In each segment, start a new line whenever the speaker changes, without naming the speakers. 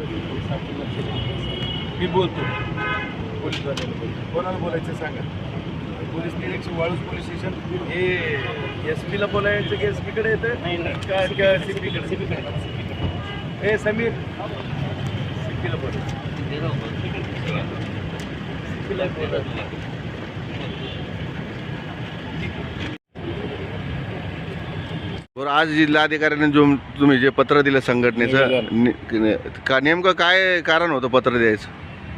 मी बोलतो पोलीसवाल्याला बोलतो. कोणाला बोलायचं सांगा. पोलीस निरीक्षक वाळूज पोलीस स्टेशन हे SP ला बोलायचं की SP कडे येतं का CP कडे? हे समीर CP ला बोलायचं. CP ला बोलायचं.
बरं, आज जिल्हाधिकाऱ्यांनी जो तुम्ही जे पत्र दिलं संघटनेचं का नेमकं काय कारण होतं पत्र द्यायचं?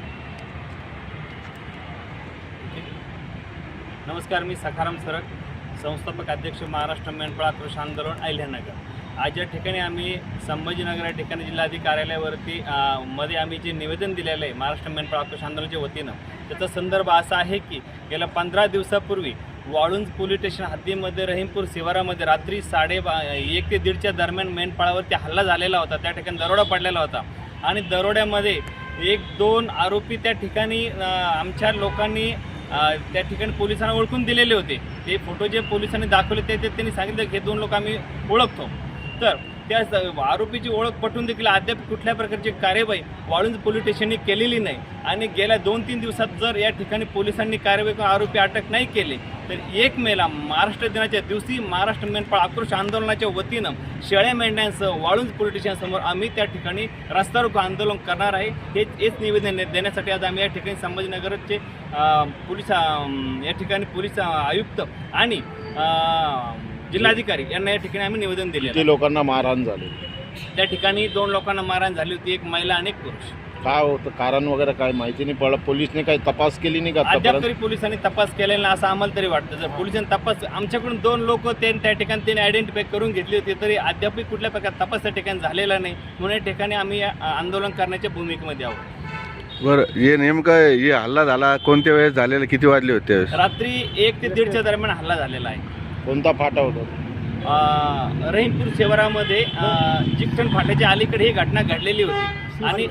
नमस्कार, मी सखाराम सरक, संस्थापक अध्यक्ष महाराष्ट्र मेंढपाळ आक्रोश आंदोलन अहिल्यानगर. आज या ठिकाणी आम्ही संभाजीनगर या ठिकाणी जिल्हाधिकारी कार्यालयावरती मध्ये आम्ही जे निवेदन दिलेलं आहे महाराष्ट्र मेंढपाळ आक्रोश आंदोलनाच्या वतीनं, त्याचा संदर्भ असा आहे की गेल्या 15 दिवसापूर्वी वाळुंज पोलीस स्टेशन हद्दीमध्ये रहीमपूर शिवारामध्ये रात्री 1:30 ते 1:30च्या दरम्यान मेंढपाळावरती हल्ला झालेला होता. त्या ठिकाणी दरोडा पडलेला होता आणि दरोड्यामध्ये 1-2 आरोपी त्या ठिकाणी आमच्या लोकांनी त्या ठिकाणी पोलिसांना ओळखून दिलेले होते. ते फोटो जे पोलिसांनी दाखवले ते त्यांनी सांगितलं की हे 2 लोक आम्ही ओळखतो. तर त्या आरोपीची ओळख पटवून देखील अद्याप कुठल्या प्रकारची कार्यवाही वाळुंज पोलीस स्टेशनने केलेली नाही आणि गेल्या 2-3 दिवसात जर या ठिकाणी पोलिसांनी कार्यवाही करून आरोपी अटक नाही केले तर 1 मेला महाराष्ट्र दिनाच्या दिवशी महाराष्ट्र मेंढपाळ आक्रोश आंदोलनाच्या वतीनं शेळ्या मेंढ्यांसह वाळुंज पोलीस स्टेशनसमोर आम्ही त्या ठिकाणी रस्ता रोको आंदोलन करणार आहे. हेच निवेदन देण्यासाठी आज आम्ही या ठिकाणी संभाजीनगरचे पोलीस या ठिकाणी पोलीस आयुक्त आणि जिल्हाधिकारी यांना या ठिकाणी आम्ही निवेदन दिले.
किती लोकांना मारहाण झाली?
त्या ठिकाणी 2 लोकांना मारहाण झाली होती, 1 महिला आणि 1 पुरुष.
काय होतं कारण वगैरे काय माहिती नाही पडलं? पोलिसने काही तपास केली नाही का?
अद्याप तरी पोलिसांनी तपास केलेला नाही असं आम्हाला तरी वाटतं. जर पोलिसांनी तपास आमच्याकडून 2 लोक त्या ठिकाणी त्यांनी आयडेंटिफाय करून घेतली होती तरी अद्यापही कुठल्या प्रकार तपास त्या ठिकाणी झालेला नाही. म्हणून या ठिकाणी आम्ही आंदोलन करण्याच्या भूमिकेमध्ये आहोत.
बरं, हे नेमकं हे हल्ला झाला कोणत्या वेळेस झालेला, किती वाजले होते?
रात्री 1 ते 1:30च्या दरम्यान हल्ला झालेला आहे.
कोणता फाटा होता?
रहीमपूर शिवारामध्ये चिकटण फाट्याच्या अलीकडे ही घटना घडलेली होती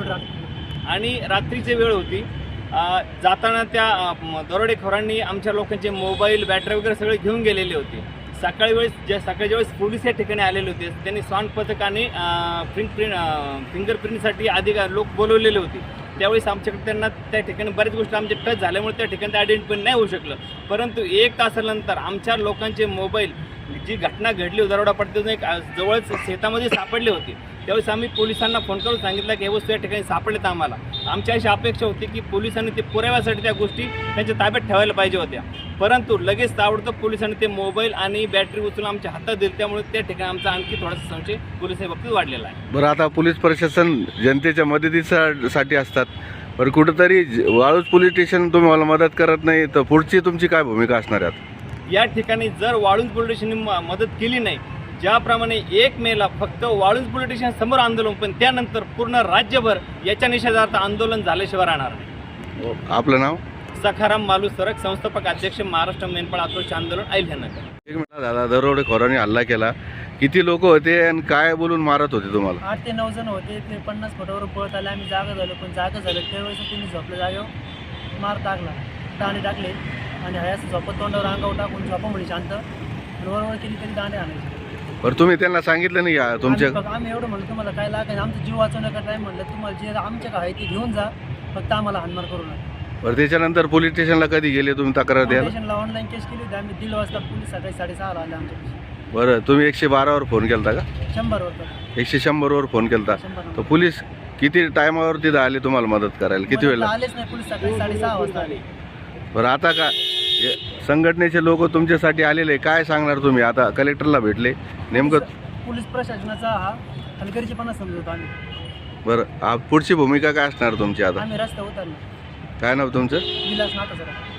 आणि रात्रीची वेळ होती. जाताना त्या दरोडेखोरांनी आमच्या लोकांचे मोबाईल, बॅटरी वगैरे सगळे घेऊन गेलेले होते. सकाळच्या वेळेस पोलीस या ठिकाणी आलेले होते. त्यांनी स्वान पथक आणि फिंगरप्रिंटसाठी अधिकारी लोक बोलवलेले होते. त्यावेळेस आमच्याकडे त्यांना त्या ठिकाणी बऱ्याच गोष्टी आमच्या टच झाल्यामुळे त्या ठिकाणी आयडेंटिफाय नाही होऊ शकलं. परंतु 1 तासानंतर आमच्या लोकांचे मोबाईल, जी घटना घडली दरोडा पडते एक जवळच शेतामध्ये सापडले होते. त्यावेळेस आम्ही पोलिसांना फोन करून सांगितलं की हे वस्तू या ठिकाणी सापडलेत. आम्हाला आमची अशी अपेक्षा होती की पोलिसांनी ते पुराव्यासाठी त्या गोष्टी त्यांच्या ताब्यात ठेवायला पाहिजे होत्या. परंतु लगेच ताबडतोब पोलिसांनी ते मोबाईल आणि बॅटरी उचलून आमच्या हातात दिली. त्यामुळे त्या ठिकाणी आमचा आणखी थोडासा संशय पोलिसांच्या बाबतीत वाढलेला आहे.
बरं, आता पोलीस प्रशासन जनतेच्या मदतीसाठी असतात. बरं, कुठंतरी वाळूज पोलीस स्टेशन तुम्हाला मदत करत नाही तर पुढची तुमची काय भूमिका असणार आहे?
या ठिकाणी जर वाळुंज पोलीस स्टेशनने मदत केली नाही, ज्याप्रमाणे 1 मेला फक्त वाळुंज पोलीस स्टेशन समोर आंदोलन, पण त्यानंतर पूर्ण राज्यभर याच्या निषेधार्थ आंदोलन झाल्याशिवाय राहणार नाही.
आपलं नाव?
सखाराम मालू सरक, संस्थापक अध्यक्ष महाराष्ट्र मेंढपाळ आक्रोश आंदोलन अहिल्यानगर.
1 मिनिट दादा, दरोडेखोरांनी हल्ला केला, किती लोक होते आणि काय बोलून मारत होते तुम्हाला?
8 ते 9 जण होते. ते 50 फुटावर पळत आले. आम्ही जागा झालो, पण जागा झालं त्यावेळेस तुम्ही झोपल्या जागेवर मार टाकला, दांडे टाकले आणि हयास झोपत तोंडावर अंगावर टाकून झोपा म्हणे शांत वरवर केली तरी दांडे आणायचे.
बरं, तुम्ही त्यांना सांगितलं नाही तुमच्या?
आम्ही एवढं म्हणलं तुम्हाला काय लागायचं, आमचा जीव वाचवण्याचा टाईम म्हणलं तुम्हाला जे आमच्या काय ते घेऊन जा, फक्त आम्हाला हाणमार करू नका.
बरं, त्याच्यानंतर पोलीस स्टेशनला कधी गेले तुम्ही तक्रार द्यायला?
स्टेशनला ऑनलाईन केस केली होती आम्ही. 1:30 वाजता पोलीस सकाळी 6:30 आले आमच्या.
बरं, तुम्ही 112वर फोन केला का?
100वर.
100वर फोन केला तर पोलीस किती टायमावर तिथं आले तुम्हाला मदत करायला? किती वेळ
आलेच नाही पोलीस, सकाळी 6:30 वाजता आले.
बरं, आता काय संघटनेचे लोक तुमच्यासाठी आलेले, काय सांगणार तुम्ही? आता कलेक्टरला भेटले नेमकं?
पोलीस प्रशासनाचा हा हलगर्जीपणा समजतो आम्ही.
बरं, पुढची भूमिका काय असणार तुमची आता?
आम्ही रस्ता उतरलो.
काय नाव तुमचं?
विलास नाथा सर.